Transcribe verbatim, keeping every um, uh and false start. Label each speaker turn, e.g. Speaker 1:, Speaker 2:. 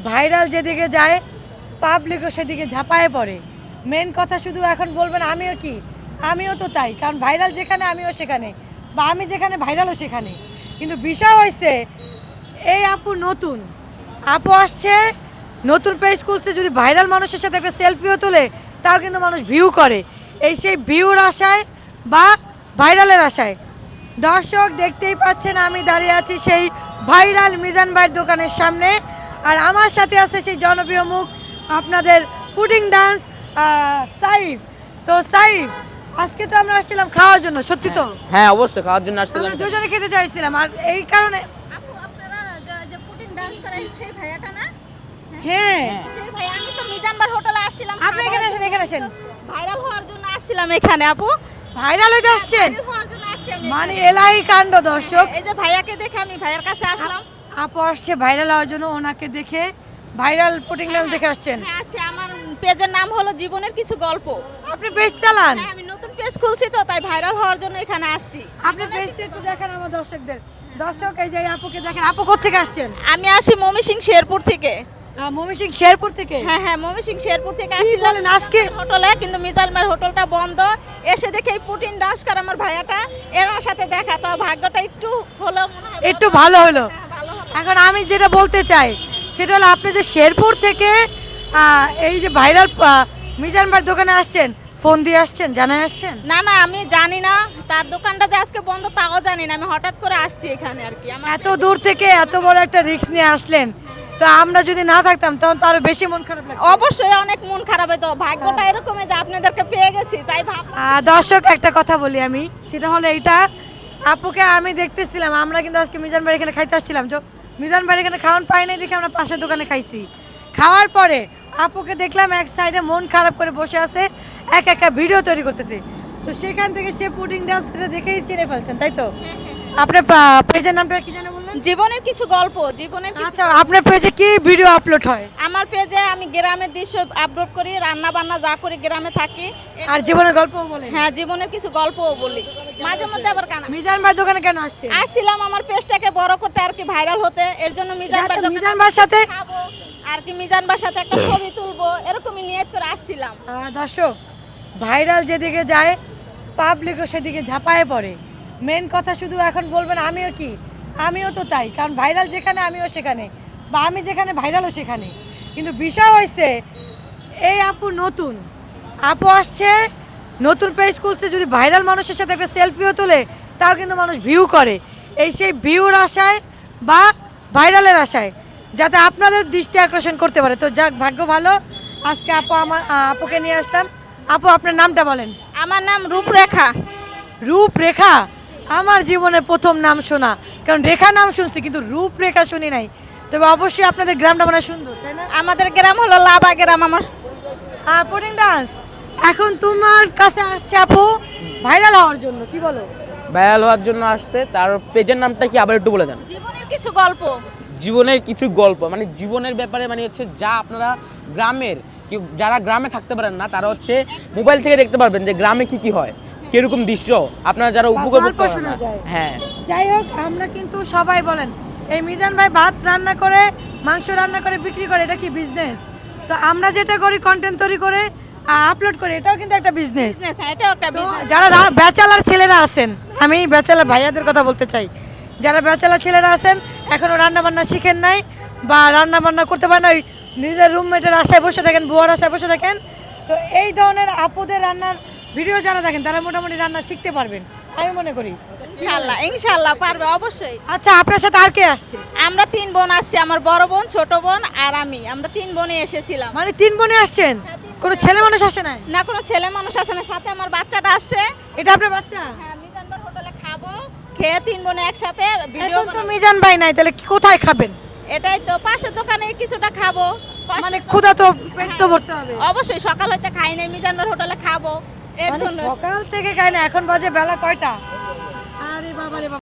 Speaker 1: Viral যেদিকে যায় পাবলিকও সেদিকে ঝাঁপায় পড়ে। মেন কথা শুধু এখন বলবেন আমিও কি, আমিও তো তাই, কারণ ভাইরাল যেখানে আমিও সেখানে, বা আমি যেখানে ভাইরালও সেখানে। কিন্তু বিষয় হয়েছে এই আপু নতুন, আপু আসছে নতুন পেজ খুলছে, যদি ভাইরাল মানুষের সাথে একটা সেলফিও তোলে তাও কিন্তু মানুষ ভিউ করে, এই সেই ভিউর আশায় বা ভাইরালের আশায়। দর্শক দেখতেই পাচ্ছেন আমি দাঁড়িয়ে আছি সেই ভাইরাল মিজান ভাইয়ের দোকানের সামনে, আর আমার সাথে আছে সেই জনপ্রিয় মুখ আপনাদের পুডিং ডান্স সাইফ। তো সাইফ, আজকে তো আমরা আসছিলাম খাওয়ার জন্য, সত্যি তো?
Speaker 2: হ্যাঁ অবশ্যই খাওয়ার জন্য আসছিলাম।
Speaker 1: আমরা দুজনে খেতে চাইছিলাম, আর এই কারণে
Speaker 3: আপু আপনারা যে- যে পুডিং ডান্স করাই সেই ভাইয়াটা না?
Speaker 1: হ্যাঁ
Speaker 3: সেই ভাই, আমি তো মিজানবার হোটেলে আসছিলাম।
Speaker 1: আপনি এখানে আসেন, এখানে আসেন।
Speaker 3: ভাইরাল হওয়ার জন্য আসছিলাম এখানে আপু।
Speaker 1: ভাইরাল হইতে আসছেন
Speaker 3: ভাইরাল হওয়ার জন্য আসছি আমি
Speaker 1: মানে
Speaker 3: এখানে।
Speaker 1: এলাই কাণ্ড দর্শক।
Speaker 3: এই যে ভাইয়াকে দেখে আমি ভাইয়ার কাছে আসলাম।
Speaker 1: আপু আসছে ভাইরাল হওয়ার জন্য, ওনাকে দেখে ভাইরাল পুডিং ডান্স দেখে আসছেন।
Speaker 3: হ্যাঁ আচ্ছা, আমার পেজের নাম হলো জীবনের কিছু গল্প।
Speaker 1: আপনি পেজ চালান?
Speaker 3: হ্যাঁ, আমি নতুন পেজ খুলছি তো, তাই ভাইরাল হওয়ার জন্য এখানে আসছি।
Speaker 1: আপনি পেজটা একটু দেখান আমার দর্শকদের। দর্শক এই যে আপুকে দেখেন, আপু কোথেকে আসছেন?
Speaker 3: আমি আসি ময়মনসিং শেরপুর থেকে।
Speaker 1: ময়মনসিংহ শেরপুর থেকে?
Speaker 3: হ্যাঁ হ্যাঁ, ময়মনসিং শেরপুর থেকে
Speaker 1: কি
Speaker 3: আসছিলাম
Speaker 1: বলেন, আজকে?
Speaker 3: হোটেলে, কিন্তু মিজানমার হোটেলটা বন্ধ। এসে দেখে এই পুটিন ডান্স করে আমার ভাইয়াটা, এর সাথে দেখা, তো ভাগ্যটা একটু হলো মনে হয়,
Speaker 1: একটু ভালো হলো।
Speaker 3: হ্যাঁ, ভালো হলো।
Speaker 1: এখন আমি যেটা বলতে চাই সেটা হলো, আপনি যে শেরপুর থেকে আহ, এই যে ভাইরাল মিজান ভাইয়ের দোকানে আসছেন, ফোন দিয়ে আসছেন, জানাই আসছেন?
Speaker 3: না না, আমি জানি না তার দোকানটা যে আজকে বন্ধ তাও জানি না, আমি হঠাৎ করে আসছি এখানে আর কি। আমার
Speaker 1: এত দূর থেকে এত বড় একটা রিস্ক নিয়ে আসলেন, তো আমরা যদি না থাকতাম তখন তো আরো বেশি মন খারাপ লাগতো।
Speaker 3: অবশ্যই অনেক মন খারাপ হতো, ভাগ্যটা এরকমই যে আপনাদেরকে পেয়ে গেছি, তাই ভাব।
Speaker 1: আহ, দর্শক একটা কথা বলি আমি, সেটা হলো এইটা, আপুকে আমি দেখতেছিলাম, আমরা কিন্তু আজকে মিজান ভাইয়ের এখানে খাইতে আসছিলাম, তো মিজান ভাইয়ের এখানে খাওয়ান পাই নাই দেখে আমরা পাশের দোকানে খাইছি। খাওয়ার পরে আপুকে দেখলাম এক সাইডে মন খারাপ করে বসে আছে, এক একটা ভিডিও তৈরি করতেছে। তো সেখান থেকে সে পুডিং ডান্সটা দেখেই চিনে ফেলছেন, তাই তো? আপনার পেজের নামটা কি জানেন বললেন?
Speaker 3: জীবনের কিছু গল্প, জীবনের কিছু।
Speaker 1: আচ্ছা, আপনার পেজে কি ভিডিও আপলোড হয়?
Speaker 3: আমার পেজে আমি গ্রামের দৃশ্য আপলোড করি, রান্না বান্না যা করি, গ্রামে থাকি।
Speaker 1: আর জীবনের গল্পও বলেন?
Speaker 3: হ্যাঁ, জীবনের কিছু গল্পও বলি, মাঝে মধ্যে আবার কানা।
Speaker 1: মিজান ভাই দোকানে কেন আসছে?
Speaker 3: আসছিলাম আমার পেজটাকে বড় করতে আর কি, ভাইরাল হতে, এর জন্য মিজান ভাই দোকানে
Speaker 1: মিজান ভাইয়ের সাথে
Speaker 3: খাবো আর কি, মিজান ভাইয়ের সাথে একটা ছবি তুলবো, এরকমই নিয়ত করে আসছিলাম।
Speaker 1: আহ, দর্শক, ভাইরাল যেদিকে যায় পাবলিকও সেদিকে ঝাঁপায় পড়ে। মেন কথা শুধু এখন বলবেন আমিও কি, আমিও তো তাই, কারণ ভাইরাল যেখানে আমিও সেখানে, বা আমি যেখানে ভাইরালও সেখানে। কিন্তু বিষয় হয়েছে এই আপু নতুন, আপু আসছে নতুন পেজ খুলছে, যদি ভাইরাল মানুষের সাথে একটা সেলফিও তোলে তাও কিন্তু মানুষ ভিউ করে, এই সেই ভিউর আশায় বা ভাইরালের আশায়, যাতে আপনাদের দৃষ্টি আকর্ষণ করতে পারে। তো যাক, ভাগ্য ভালো, আজকে আপু আমার আপুকে নিয়ে আসলাম। আপু আপনার নামটা বলেন।
Speaker 3: আমার নাম রূপরেখা।
Speaker 1: রূপরেখা? আমার জীবনে প্রথম নাম শোনা, কারণ রেখা নাম শুনছি কিন্তু রূপরেখা শুনি নাই। তবে অবশ্যই আপনাদের গ্রামটা মানে সুন্দর, তাই না?
Speaker 3: আমাদের গ্রাম হলো লাবা গ্রাম। আমার
Speaker 1: পুডিং ডান্স এখন তোমার কাছে আসছে আপু ভাইরাল হওয়ার জন্য, কি বলো?
Speaker 2: ভাইরাল হওয়ার জন্য আসছে, তার পেজের নামটা কি আবার একটু বলে দেন?
Speaker 3: জীবনের কিছু গল্প।
Speaker 2: জীবনের কিছু গল্প, মানে জীবনের ব্যাপারে, মানে হচ্ছে যা আপনারা গ্রামের কেউ যারা গ্রামে থাকতে পারেন না, তারা হচ্ছে মোবাইল থেকে দেখতে পারবেন যে গ্রামে কি কি হয়, কিরকম দৃশ্য, আপনারা যারা উপভোগ
Speaker 1: গল্প
Speaker 2: করতে
Speaker 1: শোনা
Speaker 2: পারেন না।
Speaker 1: যায়।
Speaker 2: হ্যাঁ,
Speaker 1: যাই হোক, আমরা কিন্তু সবাই বলেন এই মিজান ভাই ভাত রান্না করে, মাংস রান্না করে বিক্রি করে, এটা কি বিজনেস? তো আমরা যেটা করি কন্টেন্ট তৈরি করে আপলোড করে, এটাও কিন্তু একটা বিজনেস।
Speaker 3: বিজনেস, এটাও একটা বিজনেস।
Speaker 1: যারা রা- ব্যাচেলার ছেলেরা আছেন, আমি ব্যাচেলার ভাইয়াদের কথা বলতে চাই, যারা ব্যাচেলার ছেলেরা আছেন এখনও রান্না বান্না শিখেন নাই বা রান্না বান্না করতে পারেন না, ওই নিজের রুমমেটের আশায় বসে থাকেন, বুয়ার আশায় বসে থাকেন, তো এই ধরনের আপুদের রান্নার ভিডিও যারা দেখেন তারা মোটামুটি রান্না শিখতে পারবেন আমি মনে করি।
Speaker 3: ইনশাআল্লাহ ইনশাআল্লাহ পারবে অবশ্যই।
Speaker 1: আচ্ছা, আপনার সাথে আর কে আসছে?
Speaker 3: আমরা তিন বোন আসছি, আমার বড় বোন, ছোট বোন আর আমি, আমরা তিন বোনে এসেছিলাম।
Speaker 1: মানে তিন বোনে আসছেন? কোনো ছেলে মানুষ আসে নাই?
Speaker 3: না, কোনো ছেলে মানুষ আসে না, সাথে আমার বাচ্চাটা আসছে।
Speaker 1: এটা আপনার বাচ্চা?
Speaker 3: হ্যাঁ, মিজানবার হোটেলে খাবো, খেয়ে তিন বোনে একসাথে ভিডিও
Speaker 1: এখন তো মিজান ভাই নাই, তাহলে কি- কোথায় খাবেন?
Speaker 3: এটাই তো, পাশের দোকানে কিছুটা খাবো।
Speaker 1: মানে ক্ষুধা তো পেট তো ভরতে হবে।
Speaker 3: অবশ্যই, সকাল হইতে খাই নাই, মিজানবার হোটেলে খাবো এর
Speaker 1: মানে
Speaker 3: জন্য।
Speaker 1: সকাল থেকে খাই না, এখন বাজে বেলা কয়টা? আরে বাবা রে বাবা।